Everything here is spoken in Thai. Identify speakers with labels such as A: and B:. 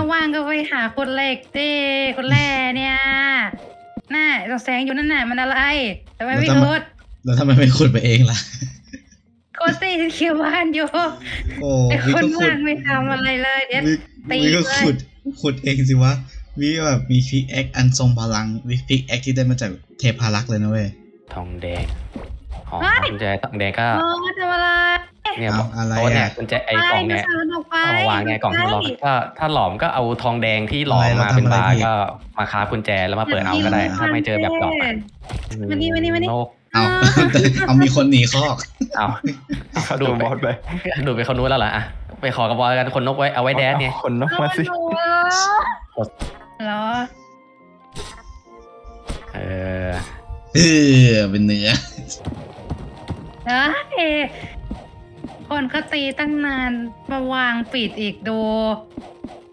A: ว่างก็ไปหาคนเหล็กดิคนแร่เนี่ยน่าเราแสงอยู่นั่นน่ะมันอะไรทำไมไม่ขุด
B: แล้วทำไมไม่ขุดไปเองล่ะ
A: โคตรสิเขียวบ้านอยู่
B: โอ้
A: ไอ
B: วิ
A: คน
B: ก็ขุด
A: ว่างไม่ทำอะไรเลยเดี๋ยว ตี
B: วิก็
A: เลย
B: ขุดเองสิวะวิแบบมีพิกแอคอันทรงพลังวิพิกแอคที่ได้มาจากเทพารักษ์เลยนะเว้ย
C: ทองแดงอ๋อกุญแจทองแดงก็
A: โอ้ทำอะไร
C: เนี่ย
B: เอาอะไร
C: โต๊ะเนี่ย
B: อ่ะ
C: กุญแจไอ้กล่องเนี่ย
A: ไปมันออกไป
C: เอามาวางไงกล่องที่มันล็อกถ้าหลอมก็เอาทองแดงที่หลอม
B: อะไร
C: มาเป็น
B: เราทำอะไร
C: บาร์
B: ผิด
C: ก็มาค้ากุญแจแล้วมาเปิดเอาก็ได้ ถ้าไม่เจอแบบดอกอะ
A: มานี่มานี่มานี่
C: นก
B: เอามีคนหนีคอก
C: เอาดู
D: บอสไป
C: ดูไปคนนู้นแล้วเหรออะไปขอกระบอกกันคนนกไว้เอาไว้แดดเนี่ย
D: คนนกมาสิ
A: เหรอ
C: เออ
B: เป็นเนื้อ
A: เอ้ยคนเขาตีตั้งนานมาวางปิดอีกดู